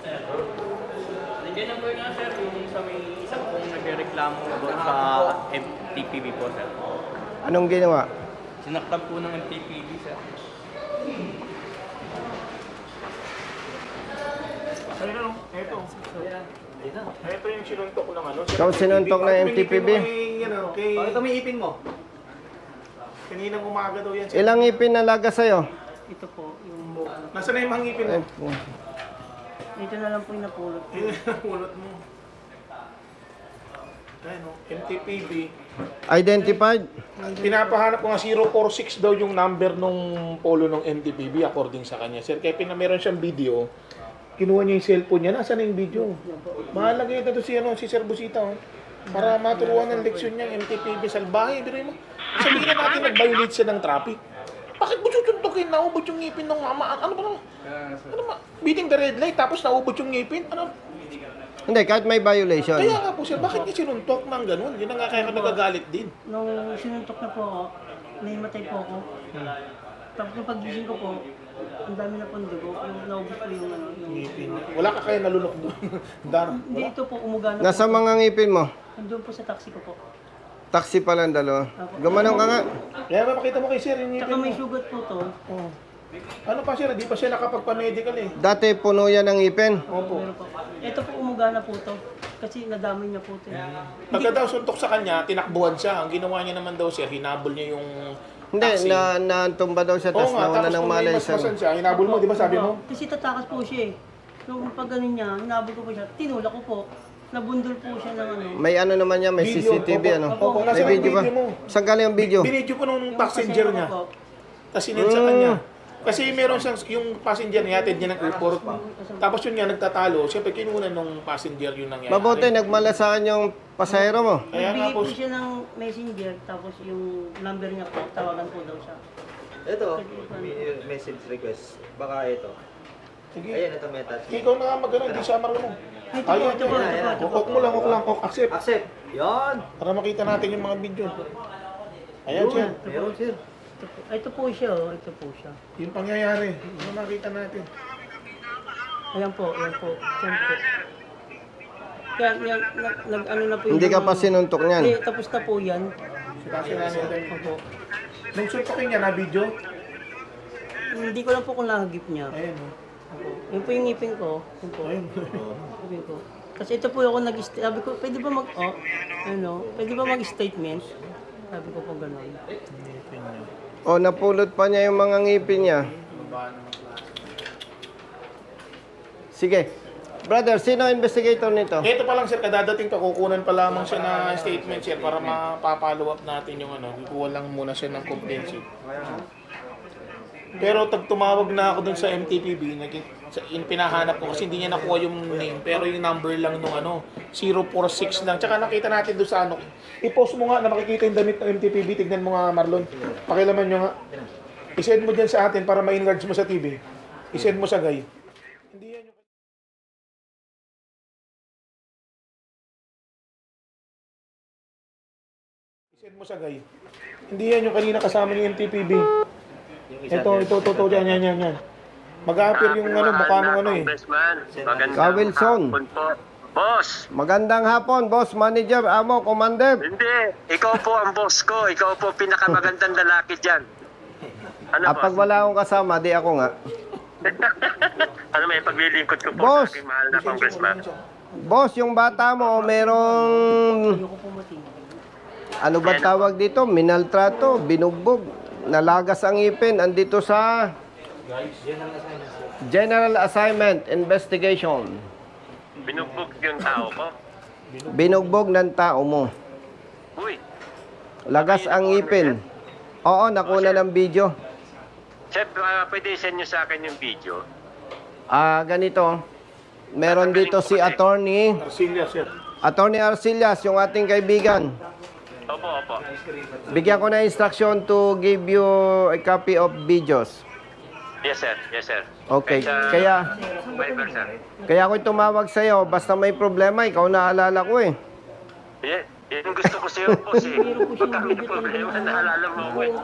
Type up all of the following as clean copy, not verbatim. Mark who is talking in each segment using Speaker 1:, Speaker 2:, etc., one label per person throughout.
Speaker 1: Nandiyan na po nga sir, yung sa may isang pong nagreklamo doon sa MTPB po sir.
Speaker 2: Anong ginawa?
Speaker 1: Sinaktan po ng MTPB sir.
Speaker 3: Ayun, ito. Ito yung sinuntok ng ano.
Speaker 2: Ikaw sinuntok ng MTPB?
Speaker 3: Bakit may ipin mo? Kaninang umaga daw yan.
Speaker 2: Ilang ngipin nalaga sa'yo?
Speaker 4: Ito po, yung...
Speaker 3: Nasaan na yung mga ngipin mo?
Speaker 4: Ito na lang po yung napulot.
Speaker 3: Yun yung pulot mo. Ayun, MTPB.
Speaker 2: Identified?
Speaker 3: Pinapahanap ko nga 046 daw yung number nung polo ng MTPB according sa kanya. Sir, kaya meron siyang video. Kinuha niya yung cellphone niya. Nasaan na yung video? Mahalaga ito si, si Sir Busita. Oh. Para maturuan ng leksyon niya, MTPB salbahe. Pero mo, sabihin na natin nag-violate siya ng traffic. Bakit mo tutuntukin? Naubot yung ngipin ng mama. Ano ba naman? Ano ba? Beating the red light tapos naubot yung ngipin? Ano?
Speaker 2: Hindi, kahit may violation.
Speaker 3: Kaya nga po sir, bakit niya sinuntok ng ganun? Yun na nga kaya ka nagagalit din.
Speaker 4: Nung sinuntok na po ako, naimatay po ako. Tapos nung pagising ko po, ang dami na pong dugo. Yung naubos po yung ano. Yung...
Speaker 3: Ngipin. Wala ka kaya nalunok doon. Dar.
Speaker 4: Hindi, ito po, umuga na
Speaker 2: Nasa
Speaker 4: po.
Speaker 2: mga ngipin mo?
Speaker 4: Nandun po sa taxi ko po.
Speaker 2: Taxi pala ang dalawa. Gumanong ka nga.
Speaker 3: Kaya mapakita mo kay sir yung ngipin
Speaker 4: Tsaka
Speaker 3: mo.
Speaker 4: may sugat po to.
Speaker 3: Oh. Ano pa sir, di pa siya nakapagpa-medical eh.
Speaker 2: Dati puno yan ng ngipin.
Speaker 3: Opo.
Speaker 4: Meron po. Ito po, umuga na po to. Kasi nadamay niya po to.
Speaker 3: Pagka daw suntok sa kanya, tinakbuhan siya. Ang ginawa niya naman daw sir, hinabol niya yung
Speaker 2: Hindi,
Speaker 3: taxi.
Speaker 2: natumba daw siya,
Speaker 3: Oo
Speaker 2: tapos
Speaker 3: nga,
Speaker 2: nauna
Speaker 3: tapos
Speaker 2: ng
Speaker 3: kung may
Speaker 2: malay
Speaker 3: masmasan siya, hinabol mo, di ba sabi mo?
Speaker 4: Kasi tatakas po siya eh. Nung pag ganun niya, hinabol ko po siya. Tinulak ko po. Nabundol po siya ng ano.
Speaker 2: May ano naman yan, may
Speaker 3: Video.
Speaker 2: CCTV
Speaker 3: Opo.
Speaker 2: ano.
Speaker 3: Opo,
Speaker 2: May
Speaker 3: nasa
Speaker 2: video ba?
Speaker 3: video mo.
Speaker 2: Saan galing ang video?
Speaker 3: Binidyo ko nung
Speaker 4: Yung
Speaker 3: passenger
Speaker 4: pasensya
Speaker 3: niya.
Speaker 4: ko po,
Speaker 3: Tapos sinend sa kanya. Kasi meron siyang, yung passenger niya, atid niya ng airport. Tapos yun nga, nagtatalo. Siyempre, kinuha nung passenger yun nangyari.
Speaker 2: Mabuti, nagmalasaan yung pasahero mo.
Speaker 3: Kaya nga
Speaker 4: nagbigay
Speaker 3: po,
Speaker 4: po siya ng messenger, tapos yung number niya po, tawagan po daw siya.
Speaker 5: Ito, may message request. Baka ito.
Speaker 3: sige.
Speaker 5: Ayan, ito may attachment.
Speaker 3: Ikaw na nga magano, hindi siya marunong.
Speaker 4: Ay, ito po,
Speaker 3: Ayun,
Speaker 4: ito po,
Speaker 3: yan.
Speaker 4: ito po.
Speaker 3: Kok mo lang, accept.
Speaker 5: Accept! Yan!
Speaker 3: Para makita natin yung mga video. Ayan siya.
Speaker 5: Meron, sir.
Speaker 4: Ito po, ito po siya, oh. Ito po siya.
Speaker 3: Yung pangyayari. Ano makita natin?
Speaker 4: Ayan po, ayan po. Ayan po. Kaya, nag-ano na po yung...
Speaker 2: Hindi ka pa sinuntok niyan.
Speaker 4: Hindi, tapos na po yan.
Speaker 3: Kasi natin.
Speaker 4: Opo.
Speaker 3: Nung suntokin niya na video.
Speaker 4: Hindi ko lang po kung nahagip niya.
Speaker 3: Ayan o.
Speaker 4: Opo. Yun po yung ngipin ko. Yun po.
Speaker 3: Ayun.
Speaker 4: Ngipin ko. Kasi ito po ako sabi ko, pwede ba pwede ba mag-statement? Sabi ko po gano'n.
Speaker 2: O, napulot pa niya yung mga ngipin niya. Sige. Brother, sino ang investigator nito?
Speaker 3: Ito pa lang sir, kadadating pa, kukunan pa lamang siya na statement sir para mapapollow up natin yung ano. Kukuha lang muna siya ng complaint. Pero tumawag na ako dun sa MTPB, pinahanap ko kasi hindi niya nakuha yung name, pero yung number lang nung ano, 046 lang. Tsaka nakita natin doon sa ano, i-post mo nga na makikita yung damit ng MTPB, tignan mo nga Marlon. Pakilaman nyo nga. I-send mo dyan sa atin para ma-enlarge mo sa TV. I-send mo sa guy. Hindi yan yung... I-send mo sa guy. Hindi yan yung kanina kasama ni MTPB. Ito, yan. Mag-a-appear yung ano, mukha nung ano eh.
Speaker 2: Ka Wilson.
Speaker 6: Boss,
Speaker 2: Magandang hapon, boss, manager, amo, commander.
Speaker 6: hindi. Ikaw po ang boss ko. Ikaw po pinakamagandang lalaki dyan. Ano
Speaker 2: Pag
Speaker 6: boss?
Speaker 2: wala akong kasama, di ako nga.
Speaker 6: Ano may paglilingkod ko po
Speaker 2: Boss!
Speaker 6: sa aking mahal na congressman?
Speaker 2: Boss, yung bata mo, merong...
Speaker 4: Ayoko po matingin.
Speaker 2: Ano ba tawag dito? Minaltrato, binugbog, nalagas ang ipin, andito sa... General Assignment Investigation.
Speaker 6: Binugbog yung tao ko.
Speaker 2: Binugbog ng tao mo.
Speaker 6: Uy,
Speaker 2: Lagas ang ipin. Oo, nakuna ng video.
Speaker 6: chef, pwede send nyo sa akin yung video.
Speaker 2: Ganito. Meron dito si Attorney
Speaker 3: Arcilia, sir.
Speaker 2: Arcillas, yung ating kaibigan.
Speaker 6: Opo.
Speaker 2: Bigyan ko na instruction to give you a copy of videos.
Speaker 6: Yes, sir.
Speaker 2: Okay.
Speaker 6: Kaya... Viber, sir.
Speaker 2: Kaya ako tumawag sa'yo, basta may problema, ikaw naalala ko eh.
Speaker 6: Yeah, yun gusto ko sa'yo, boss eh. Pagka may problema, naalala mo ako eh.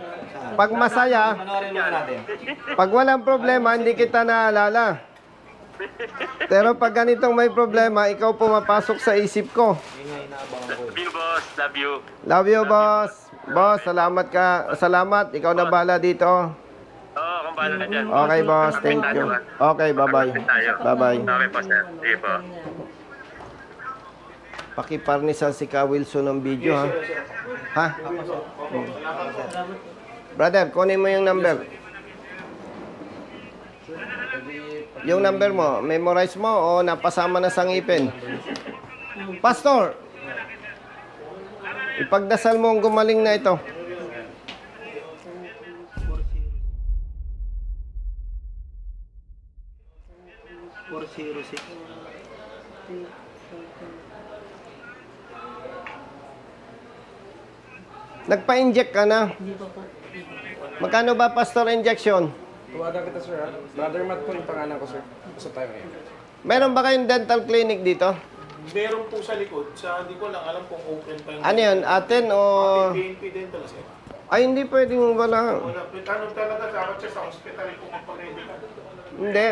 Speaker 2: Pag masaya,
Speaker 5: Panoorin muna natin.
Speaker 2: pag walang problema, hindi kita naalala. Pero pag ganitong may problema, ikaw pumapasok sa isip ko.
Speaker 5: Yun nga inaabangan ko.
Speaker 6: Love you, boss. Love you.
Speaker 2: Love you, boss. Boss, salamat ka. Salamat. Ikaw na bala dito.
Speaker 6: Oo, kung paano na dyan.
Speaker 2: Okay, boss. Thank you. Okay, bye-bye. Bye-bye.
Speaker 6: Okay po, sir. Sige po.
Speaker 2: Pakiparnisan si Ka Wilson ng video, ha? Ha? Brother, kunin mo yung number. Yung number mo, memorize mo o napasama na sa ngipin? Pastor, ipagdasal mo ang gumaling na ito. Nagpa-inject ka na.
Speaker 4: Hindi pa po.
Speaker 2: Magkano ba, Pastor, injection?
Speaker 7: Tuwagan kita, sir, ha? Brother Matt po yung pangalan ko, sir. Gusto tayo ngayon.
Speaker 2: Meron ba kayong dental clinic dito?
Speaker 3: Meron po sa likod. Hindi ko lang alam kung open pa yung...
Speaker 2: Ano yun? Atin o...
Speaker 3: PNP Dental, sir.
Speaker 2: Ay, hindi pwedeng wala.
Speaker 3: Wala. Ano talaga, dapat siya sa hospital kung magpag-ready ka.
Speaker 2: Hindi.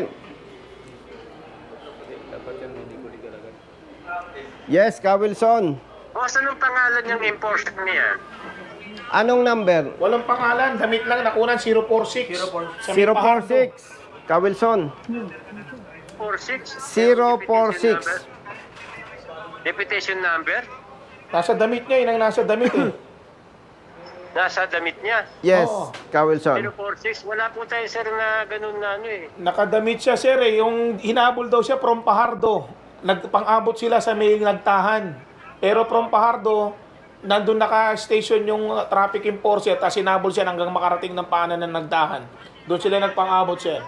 Speaker 2: Yes, Ka Wilson.
Speaker 6: Boss, anong pangalan yung enforcer niya?
Speaker 2: Anong number?
Speaker 3: Walang pangalan. Damit lang nakunan 046. Sa may Pahardo.
Speaker 2: 046. Ka Wilson.
Speaker 6: 46?
Speaker 2: 046.
Speaker 6: Deputation number?
Speaker 3: Nasa damit niya, yun ang nasa damit eh.
Speaker 6: Nasa damit niya.
Speaker 2: Yes,
Speaker 3: Oo.
Speaker 2: Ka Wilson.
Speaker 6: 046. Wala po tayo, sir, na ganun na ano eh.
Speaker 3: Nakadamit siya, sir eh. Yung hinabol daw siya from Pahardo. Nagpang-abot sila sa may nagtahan. Pero from Pahardo, nandun naka-station yung traffic enforcer at sinabol siya hanggang makarating ng paanan ng nagdahan. Doon sila nagpang-abot, sir.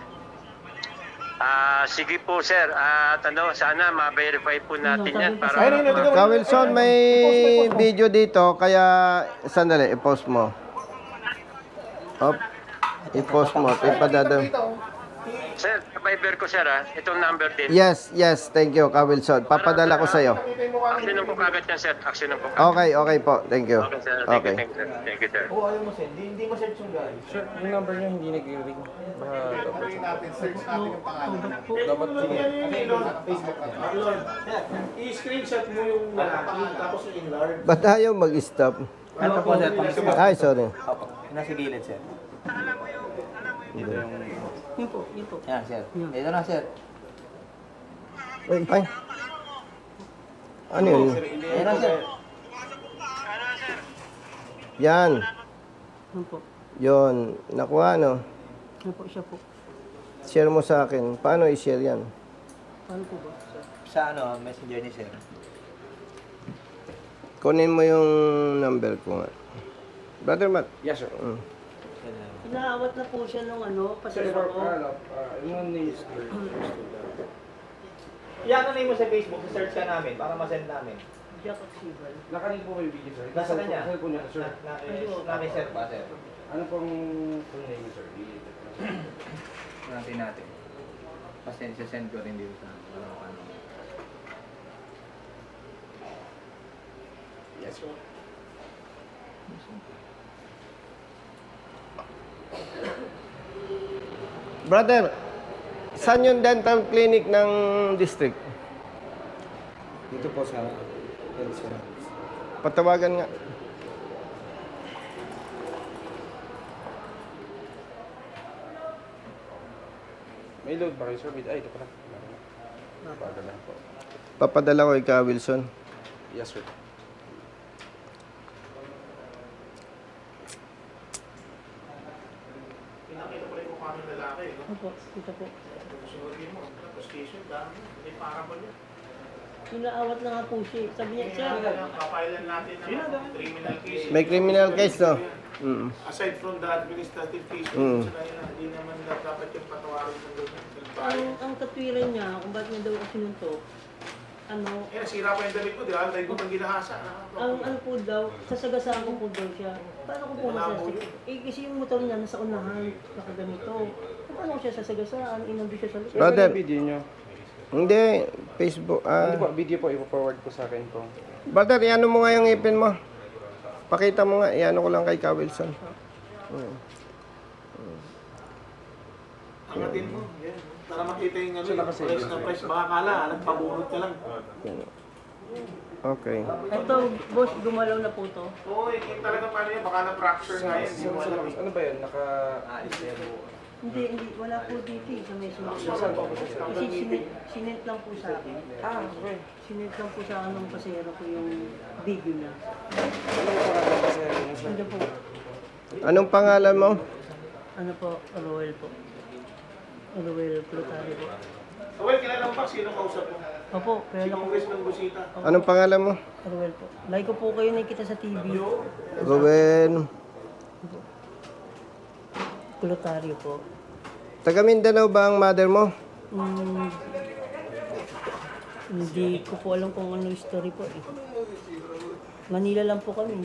Speaker 6: Sige po, sir. At sana ma-verify po natin yan para...
Speaker 3: Ayun, tingnan mo.
Speaker 2: Ka Wilson, may video dito, kaya sandali, i-post mo. Op, i-post mo. Ipadada.
Speaker 6: Sir, Viber ko, sir, itong number din.
Speaker 2: Yes, yes, thank you, Ka Wilson. Papadala ko sa'yo.
Speaker 6: Aksyonan po kagad yan, sir. Aksyonan po kagad.
Speaker 2: Okay, okay po. Thank you.
Speaker 6: Okay, sir. Thank you,
Speaker 2: Okay.
Speaker 6: thank you, sir. Thank you, sir.
Speaker 5: Oo, ayaw mo, sir. Hindi mo search yung guys.
Speaker 7: Sir, yung number niya hindi nag-ring. Baka dapat.
Speaker 3: Dapat i-screenshot mo yung lalaki, tapos yung enlarge.
Speaker 2: Ba't ayaw mag-stop?
Speaker 5: Ito po, sir.
Speaker 2: Ay, sorry.
Speaker 5: Opo. Nasa gilid, sir.
Speaker 4: Yun po, yun po.
Speaker 5: Yan, sir. Ito na, sir.
Speaker 2: Ay. Ano yun?
Speaker 5: Ito na, sir.
Speaker 2: Yan.
Speaker 4: Yun po.
Speaker 2: Yun. Nakuha, no?
Speaker 4: Yun po, siya po.
Speaker 2: Share mo sa akin. Paano i-share yan?
Speaker 4: Paano po ba?
Speaker 5: Sa messenger ni sir.
Speaker 2: Kunin mo yung number ko nga. Brother Matt.
Speaker 7: Yes, sir.
Speaker 4: Inaawat na po siya nung
Speaker 7: Sir,
Speaker 4: pasira ko.
Speaker 7: yung name is
Speaker 5: Iyan na mo sa Facebook, search ka namin para ma-send namin.
Speaker 4: Jack Oxival.
Speaker 7: Nakaling po kayo video, sir.
Speaker 5: Nasa kanya?
Speaker 7: Sa cellphone niya, sir.
Speaker 5: Namin, sir, ba, sir?
Speaker 7: Ano pong full name, sir?
Speaker 8: Natin natin. Pasensya send ko rin dito sa walang paano.
Speaker 7: Yes, sir.
Speaker 2: Brother, saan yung dental clinic ng district?
Speaker 7: Dito po sa
Speaker 2: Patawagan nga.
Speaker 7: May load ba kayo, sir? Ay, ito pala. Padala po.
Speaker 2: Papadala ko ikaw, Wilson.
Speaker 7: Yes, sir.
Speaker 3: Pinakita ko rin kung paano yung lalaki, no?
Speaker 4: Opo, ito po.
Speaker 3: Sunodin mo, tapos station, dami. Hindi para ba niya?
Speaker 4: Inaawat na nga po siya. Sabi niya, sir,
Speaker 3: Papailan natin ng criminal case.
Speaker 2: May criminal case, no? Mm.
Speaker 3: Aside from the administrative case,
Speaker 2: Mm.
Speaker 3: hindi naman dapat yung patawarin ng
Speaker 4: ang katwiran niya, kung bakit niya daw ako sinuntok,
Speaker 3: Eh, nasira pa yung damit ko, di ba? Dahil ko pang ginahasa.
Speaker 4: ang po daw, sasagasaan ko po daw siya. Paano ko po masasagasaan? Eh, kasi yung motor niya nasa unahan, nakaganito. Paano ko siya sasagasaan? Inambi siya sa likod.
Speaker 2: Brother.
Speaker 7: Ano yung video nyo?
Speaker 2: Hindi, Facebook.
Speaker 7: Hindi po, video po, ipo-forward po sa akin po.
Speaker 2: Brother, iano mo nga yung ipin mo. Pakita mo nga, iano ko lang kay Ka Wilson.
Speaker 3: Angatin mo. Yan. Para makita yung price na price. Baka kala, nagpabunot ka lang.
Speaker 2: Okay.
Speaker 4: Ito, boss, gumalaw na po to.
Speaker 3: Oo, yung talaga paano yun, baka na-fracture nga yan. Hindi mo alam.
Speaker 7: Ano ba yun? Naka-alis na yan.
Speaker 4: Hindi, wala po dito eh, sa may sumunod. Kasi sinent lang po sa akin.
Speaker 7: Okay.
Speaker 4: Sinent lang po sa akin ng pasero ko yung video na.
Speaker 7: Ano ba pangalan kasi yung sa...
Speaker 4: Ano po?
Speaker 2: Anong pangalan mo?
Speaker 4: Ano po? Roel po. Roel Plutari po.
Speaker 3: Well, kilala mo ba sino kausap mo?
Speaker 4: Opo,
Speaker 3: Si
Speaker 4: kaya ako.
Speaker 3: Congressman Busita.
Speaker 2: Anong pangalan mo?
Speaker 4: Roel po. Like ko po kayo nakikita sa TV.
Speaker 2: Ruben.
Speaker 4: Plutari po.
Speaker 2: Taga Mindanao ba ang mother mo?
Speaker 4: Hindi ko po alam kung ano yung story po eh. Manila lang po kami.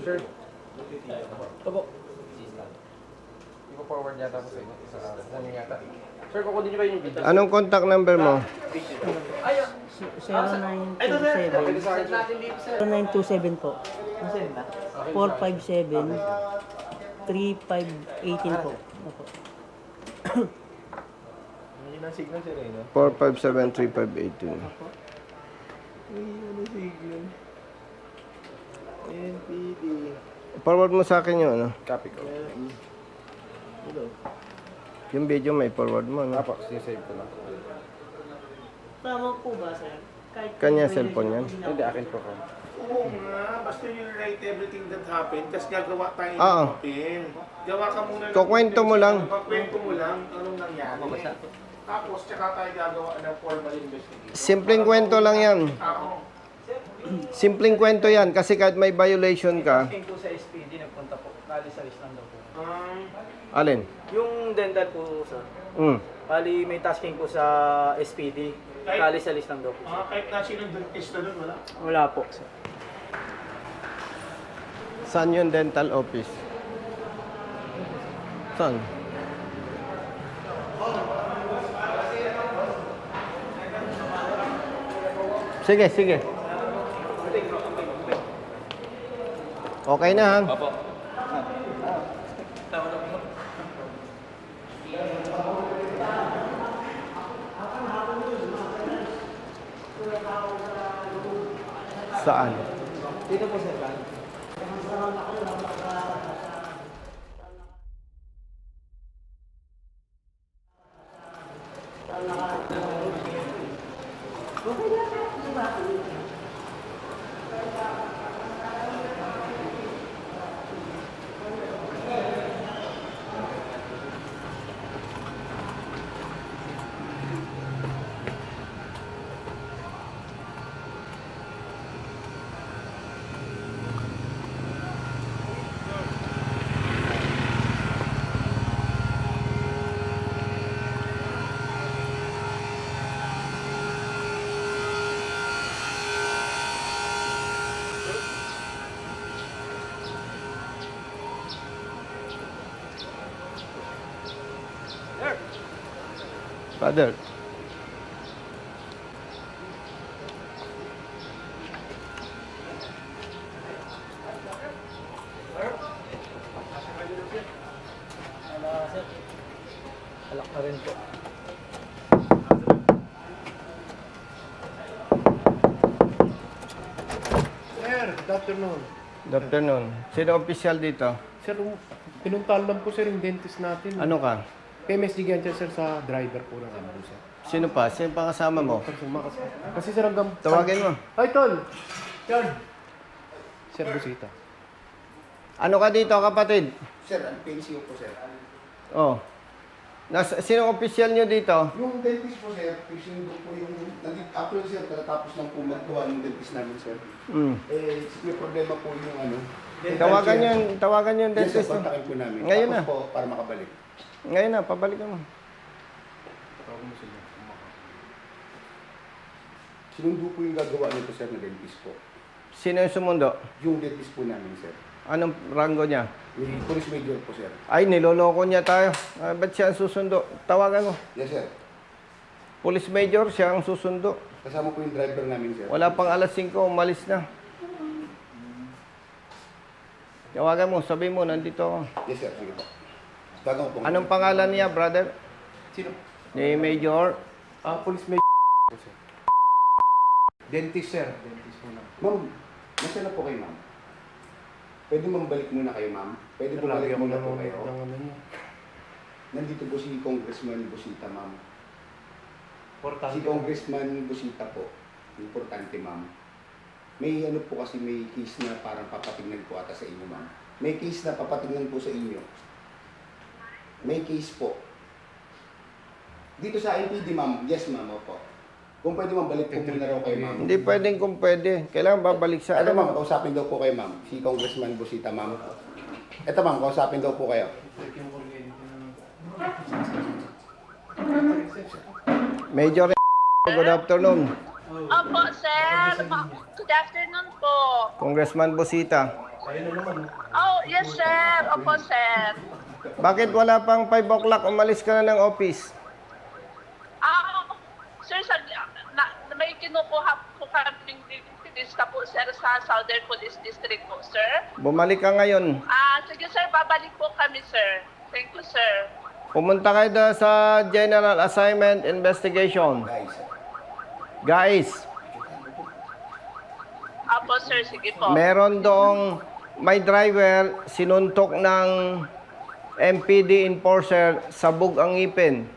Speaker 7: Ipo-forward yata ko sa inyo. Sa inyo yata. Sir, kukunin niyo ba yung video?
Speaker 2: Anong contact number mo?
Speaker 4: 0927 po. 457 3518 po. Opo.
Speaker 2: 457-3518. Forward mo sa akin yung ano?
Speaker 7: Copy ko.
Speaker 2: Yung video may forward mo, no?
Speaker 7: Apo, sinisave ko lang.
Speaker 4: Tama po ba, sir? Kahit
Speaker 2: Kanya cellphone yan?
Speaker 7: Hindi, akin po ko.
Speaker 3: Oo nga, basta you write everything that happened, kasi gagawa tayo ng
Speaker 2: Oo.
Speaker 3: papel. Gawa ka muna ng
Speaker 2: Kukwento mo lang.
Speaker 3: Kukwento mo lang anong nangyari. Tapos, tsaka tayo gagawa ng formal investigation.
Speaker 2: Simpleng kwento lang yan.
Speaker 3: Oo.
Speaker 2: Simpleng kwento yan kasi kahit may violation ka.
Speaker 1: Tasking po sa SPD, nagpunta po. Kali sa list lang daw po.
Speaker 2: Alin?
Speaker 1: Yung dental po, sir.
Speaker 2: Mm.
Speaker 1: Bali, may tasking po sa SPD. Kali sa list lang daw po.
Speaker 3: Kahit na sinong dentista doon, wala.
Speaker 1: Wala po, sir.
Speaker 2: Saan yung dental office? Saan? Sige, sige. Okay na ha?
Speaker 1: Opo.
Speaker 2: Saan?
Speaker 1: Dito po, sir.
Speaker 2: Father.
Speaker 1: Alak na rin po.
Speaker 3: Sir, good afternoon.
Speaker 2: Good afternoon. Sino official dito?
Speaker 9: Sir, pinuntahan lang po sir yung dentist natin.
Speaker 2: Ano ka?
Speaker 9: PMS Gigantes sir sa driver po ng ano sir.
Speaker 2: Sino pa? Sino pa kasama mo?
Speaker 9: Kasi sir hanggang...
Speaker 2: Tawagin mo.
Speaker 9: Ay, Tol! Yan! Sir Busita.
Speaker 2: Ano ka dito, kapatid?
Speaker 5: Sir, ang PNCO po, sir.
Speaker 2: Oh. Sino official nyo dito?
Speaker 5: Yung dentist po, sir, fixing po yung... Actually, sir, tapos lang po maggawa ng dentist namin, sir.
Speaker 2: Mm.
Speaker 5: May problema po yung ano...
Speaker 2: Tawagan yung
Speaker 5: Yes, sir,
Speaker 2: dentist.
Speaker 5: kontakin po namin.
Speaker 2: Ngayon
Speaker 5: Tapos
Speaker 2: na.
Speaker 5: po, para makabalik.
Speaker 2: Ngayon na, pabalikan mo.
Speaker 5: Sinundo po yung gagawa nito, sir, na dentist po.
Speaker 2: Sino yung sumundo?
Speaker 5: Yung dentist po namin, sir.
Speaker 2: Anong rango niya?
Speaker 5: May police major po, sir.
Speaker 2: Ay, niloloko niya tayo. Ba't siya ang susundo? Tawagan mo.
Speaker 5: Yes, sir.
Speaker 2: Police Major, siya ang susundo.
Speaker 5: Kasama po yung driver namin, sir.
Speaker 2: Wala pang alas 5, umalis na. Tawagan mo, sabi mo, nandito ako.
Speaker 5: Yes, sir. Sige po. Tagang po.
Speaker 2: Anong pangalan niya, brother?
Speaker 5: Sino?
Speaker 2: Ni Major
Speaker 7: Police may sir. Dentist, sir. Dentist muna.
Speaker 5: Ma'am, nasa na po kayo, ma'am? Pwede mambalik muna kayo, ma'am? Pwede bumalik muna po kayo? Nandito po si Congressman Busita, ma'am. Si Congressman Busita po. Importante, ma'am. May ano po kasi may case na parang papatignan po ata sa inyo, ma'am. May case na papatignan po sa inyo. May case po. Dito sa NPD, ma'am. Yes, ma'am. Opo. Kung pwede ma'am, balik po muna raw kayo, ma'am.
Speaker 2: Hindi pwedeng kung pwede. Kailangan babalik sa
Speaker 5: Ito ma'am, kausapin daw po kayo, ma'am. Si Congressman Busita, ma'am. Ito ma'am, kausapin daw po kayo.
Speaker 2: Major, good afternoon.
Speaker 10: Opo, sir. Good afternoon po.
Speaker 2: Congressman Busita.
Speaker 10: Oh, yes, sir. Opo, sir.
Speaker 2: Bakit wala pang 5 o'clock umalis ka na ng office?
Speaker 10: Sir, may kinukuha po kaming lista po, sir, sa Southern Police District po, sir.
Speaker 2: Bumalik ka ngayon.
Speaker 10: Sige, sir. Babalik po kami, sir. Thank you, sir.
Speaker 2: Pumunta kayo doon sa General Assignment Investigation. Guys,
Speaker 10: Opo, sir. Sige po.
Speaker 2: meron doong may driver sinuntok ng MPD enforcer, sabog ang ngipin.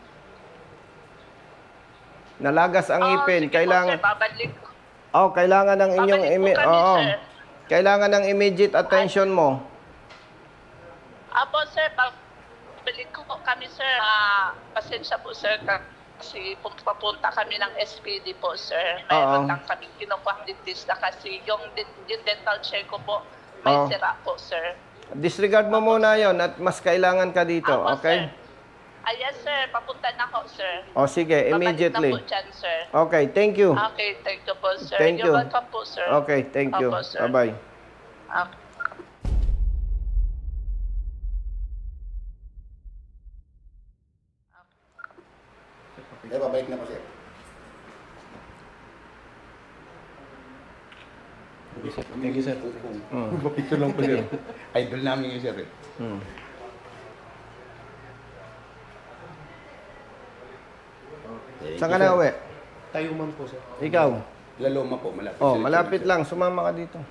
Speaker 2: Nalagas ang ngipin.
Speaker 10: Sige
Speaker 2: Kailangan
Speaker 10: po, sir. Babalik.
Speaker 2: kailangan ng inyong
Speaker 10: Babalik po kami, sir.
Speaker 2: Kailangan ng immediate attention mo.
Speaker 10: Opo, sir. Babalik ko po kami, sir. Pasensya po, sir. Kasi papunta kami ng SPD po, sir. Mayroon lang kami kinukuha dentista kasi yung dental check ko po may sira po, sir.
Speaker 2: Disregard mo muna yon at mas kailangan ka dito,
Speaker 10: Opo,
Speaker 2: okay?
Speaker 10: sir. Yes, sir. Papunta na ako, sir.
Speaker 2: Sige, immediately.
Speaker 10: Babalik na po dyan, sir.
Speaker 2: Okay, thank you.
Speaker 10: Okay, thank you po, sir.
Speaker 2: Thank you.
Speaker 10: You're welcome po, sir.
Speaker 2: Okay, thank you.
Speaker 10: Opo, sir.
Speaker 2: Bye-bye.
Speaker 10: Okay.
Speaker 5: Babalik na po, sir.
Speaker 7: Thank you, sir.
Speaker 5: Picture lang po, sir. Idol namin yung sir, eh.
Speaker 2: Saan ka na uwi?
Speaker 7: Tayuman po, sir.
Speaker 2: Ikaw?
Speaker 5: Laloma po, malapit.
Speaker 2: Malapit lang. Sumama ka dito.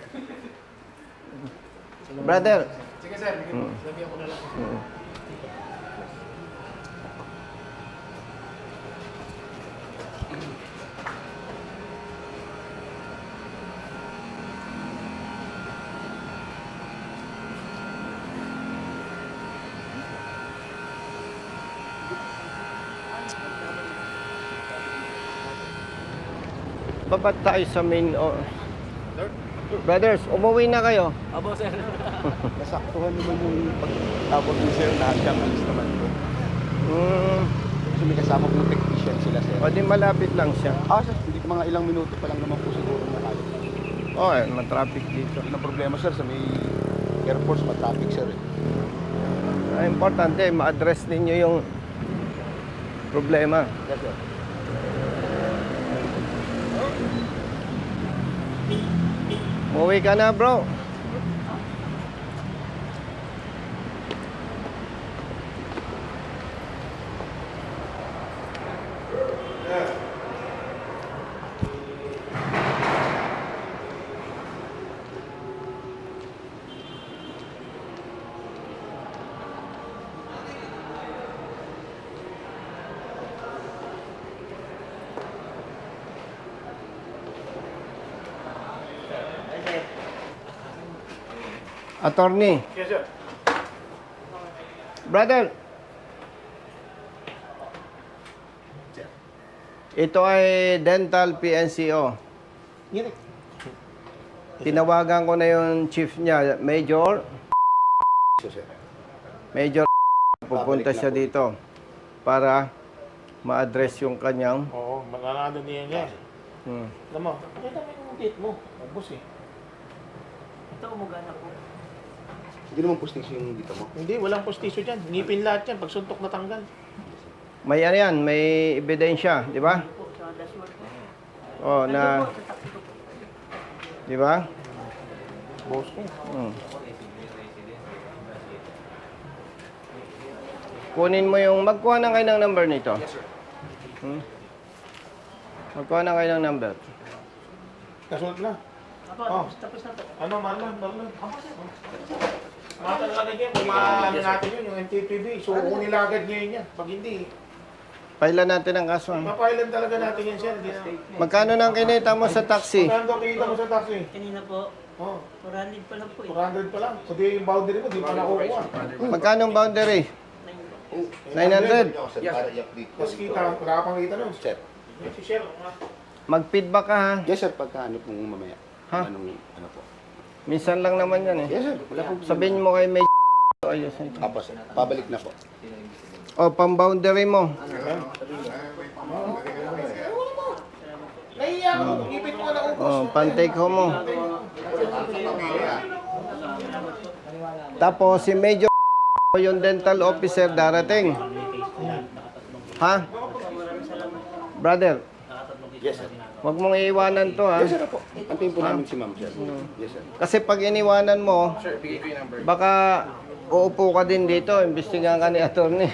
Speaker 2: Brother.
Speaker 9: Sige sir, sabihan ko na lang.
Speaker 2: Babat tayo sa main... Brothers, umuwi na kayo.
Speaker 1: Abo, sir.
Speaker 5: Nasaktuhan naman yung pagtapos ni sir na siyang alis naman po. Kasi may kasama pong technician sila, sir.
Speaker 2: O di malapit lang siya.
Speaker 5: Sir, hindi mga ilang minuto pa lang naman po siguro nakaya.
Speaker 2: Matraffic dito.
Speaker 5: Yun ang problema, sir, sa may Air Force, matraffic, sir.
Speaker 2: Importante, ma-address ninyo yung problema.
Speaker 5: Yes, sir.
Speaker 2: Umuwi ka na, bro. Attorney.
Speaker 3: Yes, sir.
Speaker 2: Brother. Ito ay Dental PNCO. Tinawagan ko na yung chief niya, Major. Major, pupunta siya dito para ma-address yung kanyang...
Speaker 3: Oo, mananado niya. Alam mo, pakita mo yung date mo. Boss eh.
Speaker 4: Ito, umugana po.
Speaker 5: Hindi naman postisyo yung dito mo.
Speaker 3: Hindi, walang postisyo dyan. Ngipin lahat yan. Pag suntok natanggal.
Speaker 2: May ano yan, may ebidensya, di ba?
Speaker 4: Po, sa dashboard po.
Speaker 2: Na,
Speaker 4: Po, sa taxi po.
Speaker 2: di ba?
Speaker 3: Boss ko.
Speaker 2: Kunin mo yung, magkuha na kayo ng number nito. Magkuha na kayo ng number.
Speaker 3: Nasulat na.
Speaker 4: Apo, tapos na po.
Speaker 3: Ano, Marlon? Matalagay niya, kung maano natin yun, yung MTPB, suko nila agad ngayon yan. Pag hindi,
Speaker 2: Pailan natin ang kaso.
Speaker 3: mapailan talaga natin yan, sir.
Speaker 2: Magkano nang kinita mo sa taxi?
Speaker 3: Magkano kita mo sa taxi?
Speaker 4: Kanina po,
Speaker 3: Oh,
Speaker 4: 400 pa lang po eh.
Speaker 3: 400 pa lang. Kundi yung boundary mo, di pa nakukuha.
Speaker 2: Magkano ang boundary? 900.
Speaker 3: Tapos kita, wala ka pang kita nun.
Speaker 5: Sir.
Speaker 3: Si Sir,
Speaker 2: Mag-feedback ka ha.
Speaker 5: Yes, sir. Pagka ano pong mamaya.
Speaker 2: Ha?
Speaker 5: Ano po.
Speaker 2: Minsan lang naman yan eh.
Speaker 5: Yes, sir. Wala pong
Speaker 2: Sabihin mo kay may ayos na ito.
Speaker 5: Apo, sir. Pabalik na po.
Speaker 2: O, pang-boundary mo.
Speaker 3: nahiya ka mo, ipit mo na ubos.
Speaker 2: O, pan-take home mo. Tapos si Major yung dental officer darating. Ha? Brother,
Speaker 5: Yes, sir.
Speaker 2: wag mong iiwanan to ha.
Speaker 5: Yes, sir po. Antayin po namin si ma'am, sir. Yes, sir.
Speaker 2: Kasi pag iniwanan mo,
Speaker 7: Sir, bigay ko yung number.
Speaker 2: baka uupo ka din dito, imbestigahan ka ni attorney.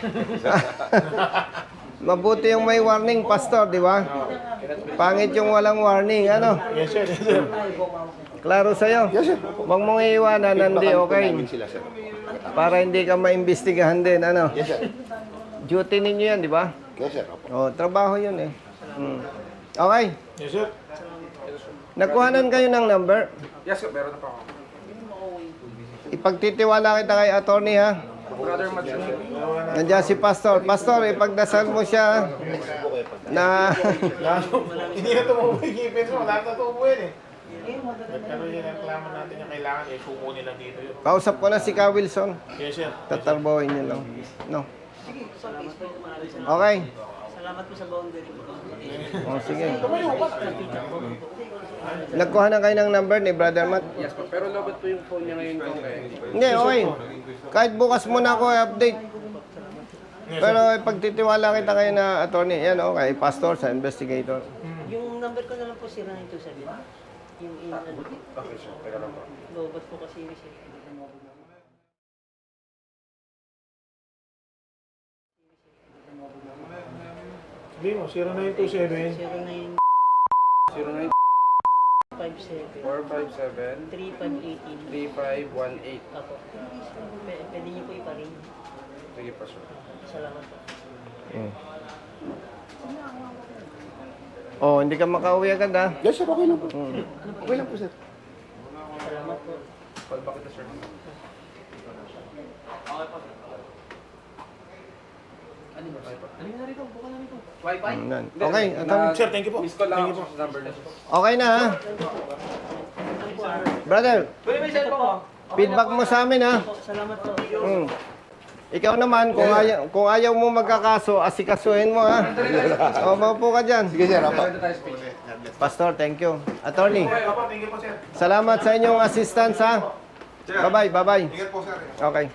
Speaker 2: Mabuti yung may warning, pastor, di ba? Pangit yung walang warning, ano?
Speaker 3: Yes, sir. Yes, sir.
Speaker 2: Klaro sa'yo?
Speaker 5: Yes, sir.
Speaker 2: Huwag mong iiwanan, hindi
Speaker 5: Feedbackan po
Speaker 2: okay.
Speaker 5: namin sila, sir.
Speaker 2: Para hindi ka maimbestigahan din, ano?
Speaker 5: Yes, sir.
Speaker 2: Duty ninyo yan, di ba?
Speaker 5: Yes, sir. Opo.
Speaker 2: O, trabaho yun eh. Okay.
Speaker 3: Yes, sir.
Speaker 2: Nakuhanan kayo ng number.
Speaker 7: Yes, sir. Meron na pa ako.
Speaker 2: Ipagtitiwala kita kay attorney ha.
Speaker 7: Brother Matt, sir.
Speaker 2: Nandiyan si pastor. Pastor, ipagdasal mo siya na
Speaker 3: Hindi na tumubo yung ngipin mo. Wala na tumubo yan eh. Pero yung reklamo natin yung kailangan eh, suko nila dito yun.
Speaker 2: kausap ko na si Ka Wilson.
Speaker 3: Yes, sir.
Speaker 2: Tatarbohin niyo lang. No. Okay.
Speaker 4: Salamat po sa boundary po.
Speaker 2: O, sige. Nagkuha na kayo ng number ni Brother Matt?
Speaker 7: Yes, po. Pero lobot po yung phone niya ngayon kung kaya.
Speaker 2: Hindi, okay. Kahit bukas muna ako i-update. Pero ipagtitiwala kita kayo na attorney. Yan, okay. Pastor sa investigator.
Speaker 4: Yung number ko na lang po si 927. Yung ano.
Speaker 7: Okay, sir. Teka lang po.
Speaker 4: Lobot po kasi si
Speaker 3: Hindi mo, 0927.
Speaker 4: 0957
Speaker 7: 09
Speaker 4: 57
Speaker 7: 457
Speaker 4: 3518.
Speaker 7: 3518.
Speaker 4: Apo. Pwede niyo po iparin.
Speaker 7: Sige po, sir.
Speaker 4: Salamat po.
Speaker 2: Oh, hindi ka makauwi agad ha.
Speaker 5: Yes, sir. Okay lang po. Okay lang po, sir.
Speaker 4: Salamat po.
Speaker 7: Call back kita, sir.
Speaker 2: Yan. Okay, attorney.
Speaker 3: Sir, thank you po.
Speaker 7: Miss call lang
Speaker 3: Thank you
Speaker 7: ako sa number niya.
Speaker 2: Okay na ha. Brother,
Speaker 4: Ito po.
Speaker 2: feedback mo sa amin ha.
Speaker 4: Salamat po.
Speaker 2: Ikaw naman, kung ayaw mo magkakaso, asikasuhin mo ha. O, maupo ka dyan.
Speaker 5: Sige, sir. Opo.
Speaker 2: Pastor, thank you. Attorney,
Speaker 3: Opo, thank you po, sir.
Speaker 2: salamat sa inyong assistance ha. Bye-bye, bye-bye.
Speaker 3: Ingat po, sir.
Speaker 2: Okay.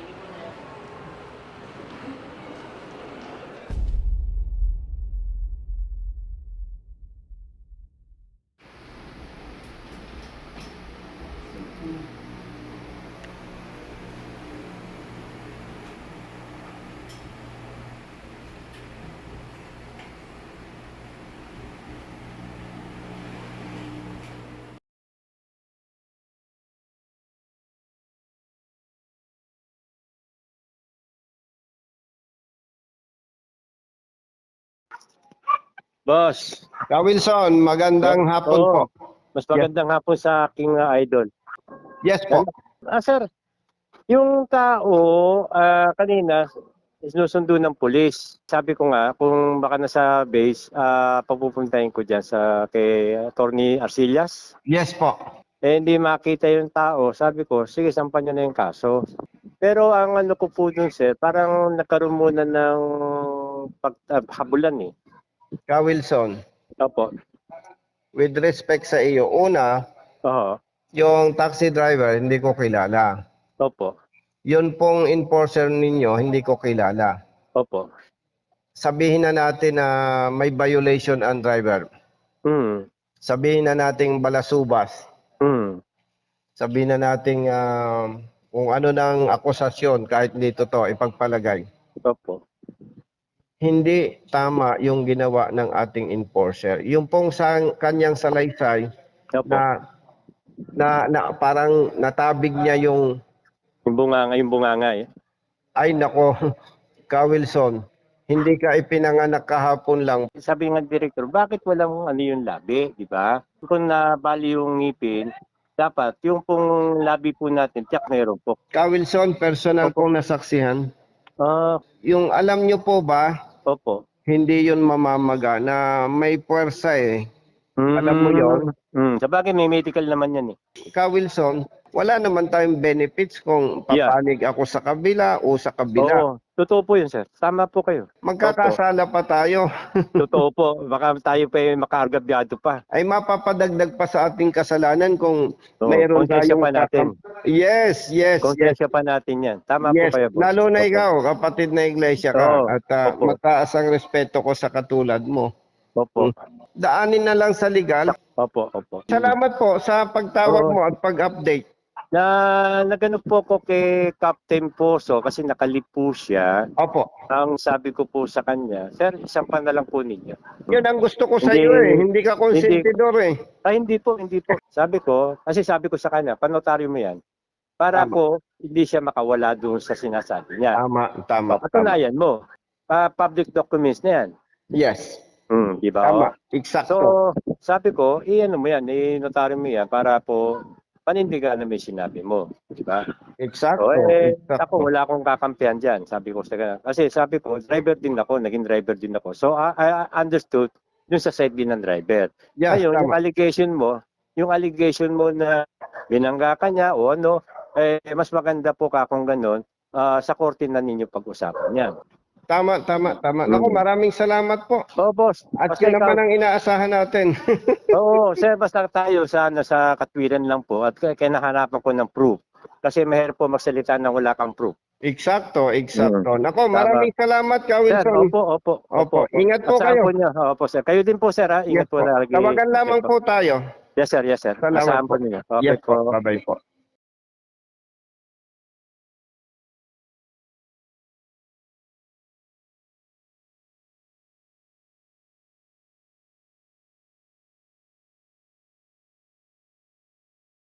Speaker 11: Boss,
Speaker 2: Ka Wilson, magandang hapon po.
Speaker 11: mas magandang hapon sa aking idol.
Speaker 2: Yes po.
Speaker 11: Sir, yung tao kanina sinusundo ng pulis. Sabi ko nga, kung baka nasa base, papupuntahin ko dyan kay Attorney Arcillas.
Speaker 2: Yes po.
Speaker 11: Hindi makita yung tao. Sabi ko, sige, sampan nyo na yung kaso. Pero ang ano ko po dun, sir, parang nagkaroon muna ng paghabulan eh.
Speaker 2: Ka Wilson,
Speaker 11: Opo.
Speaker 2: with respect sa iyo, una,
Speaker 11: Oo.
Speaker 2: yung taxi driver, hindi ko kilala.
Speaker 11: Opo.
Speaker 2: Yun pong enforcer ninyo, hindi ko kilala.
Speaker 11: Opo.
Speaker 2: Sabihin na natin na may violation ang driver.
Speaker 11: Hmm.
Speaker 2: Sabihin na nating balasubas.
Speaker 11: Hmm.
Speaker 2: Sabihin na nating kung ano ng akusasyon, kahit hindi totoo, ipagpalagay.
Speaker 11: Opo.
Speaker 2: hindi tama yung ginawa ng ating enforcer. Yung pong sa kanyang salaysay
Speaker 11: Opo.
Speaker 2: na parang natabig niya yung
Speaker 11: Yung bunganga eh.
Speaker 2: ay nako, Ka Wilson, hindi ka ipinanganak kahapon lang.
Speaker 11: Sabi ng director, bakit walang ano yung labi, di ba? Kung nabali yung ngipin, dapat yung pong labi po natin, tiyak meron po.
Speaker 2: Ka Wilson, personal kong nasaksihan. Yung alam nyo po ba,
Speaker 11: Opo.
Speaker 2: hindi yun mamamaga na may puwersa eh. Alam mo yun?
Speaker 11: Sabagay may medical naman yan eh.
Speaker 2: Ka Wilson, wala naman tayong benefits kung papanig ako sa kabila o sa kabila.
Speaker 11: Oo, totoo po yun sir. Tama po kayo.
Speaker 2: Magkakasala pa tayo.
Speaker 11: Totoo po. Baka tayo pa yung makaargabyado pa.
Speaker 2: Ay mapapadagdag pa sa ating kasalanan kung
Speaker 11: Oo,
Speaker 2: mayroon
Speaker 11: konsensya
Speaker 2: tayong
Speaker 11: pa natin.
Speaker 2: Yes.
Speaker 11: Konsensya pa natin yan. Tama
Speaker 2: Yes,
Speaker 11: po kayo. boss.
Speaker 2: lalo na
Speaker 11: Opo.
Speaker 2: ikaw, kapatid na iglesia ka,
Speaker 11: Oo,
Speaker 2: at
Speaker 11: opo.
Speaker 2: mataas ang respeto ko sa katulad mo.
Speaker 11: Opo.
Speaker 2: Daanin na lang sa legal.
Speaker 11: Opo.
Speaker 2: Salamat po sa pagtawag
Speaker 11: Oo.
Speaker 2: mo at pag-update.
Speaker 11: Nagano po ko kay Captain Poso kasi nakalip po siya.
Speaker 2: Opo.
Speaker 11: Ang sabi ko po sa kanya, sir, isang pa na lang po ninyo.
Speaker 2: Yun ang gusto ko sa
Speaker 11: Hindi-
Speaker 2: iyo eh. Hindi ka konsentidor eh.
Speaker 11: Ay, hindi po. Sabi ko sa kanya, panotaryo mo yan. Para
Speaker 2: Tama.
Speaker 11: po, hindi siya makawala doon sa sinasabi niya.
Speaker 2: Tama.
Speaker 11: Patunayan mo. Public documents na yan.
Speaker 2: Yes.
Speaker 11: Di ba?
Speaker 2: Tama.
Speaker 11: Oh?
Speaker 2: Eksakto.
Speaker 11: So, sabi ko, ano mo yan, notaryo mo yan para po panindigan na may sinabi mo. Di ba?
Speaker 2: Eksakto.
Speaker 11: Ako, wala akong kakampihan dyan. Sabi ko sa kanya. Kasi sabi ko, driver din ako, naging driver din ako. So, I understood dun sa side din ng driver.
Speaker 2: Yes,
Speaker 11: Ngayon,
Speaker 2: tama.
Speaker 11: yung allegation mo na binangga ka niya o ano, mas maganda po ka kung ganun, sa korte na ninyo pag-usapan yan.
Speaker 2: Tama. Naku, maraming salamat po.
Speaker 11: Oo, boss.
Speaker 2: At
Speaker 11: Basta
Speaker 2: yun
Speaker 11: ikaw-
Speaker 2: naman ang inaasahan natin.
Speaker 11: Oo, sir, basta tayo sa katwiran lang po at kinahanapan ko ng proof. Kasi mahirap po magsalita nang wala kang proof.
Speaker 2: Eksakto. Nako, maraming salamat, Ka
Speaker 11: Sir,
Speaker 2: Wilson.
Speaker 11: opo.
Speaker 2: Ingat po
Speaker 11: At saan
Speaker 2: kayo.
Speaker 11: po niyo? Opo, sir. Kayo din po, sir, ha?
Speaker 2: Yes
Speaker 11: Ingat po
Speaker 2: po.
Speaker 11: lagi.
Speaker 2: Tawagan lamang po tayo.
Speaker 11: Yes, sir.
Speaker 2: Salamat
Speaker 11: Asahan
Speaker 2: po.
Speaker 11: po niyo.
Speaker 2: Yes po. Bye-bye po.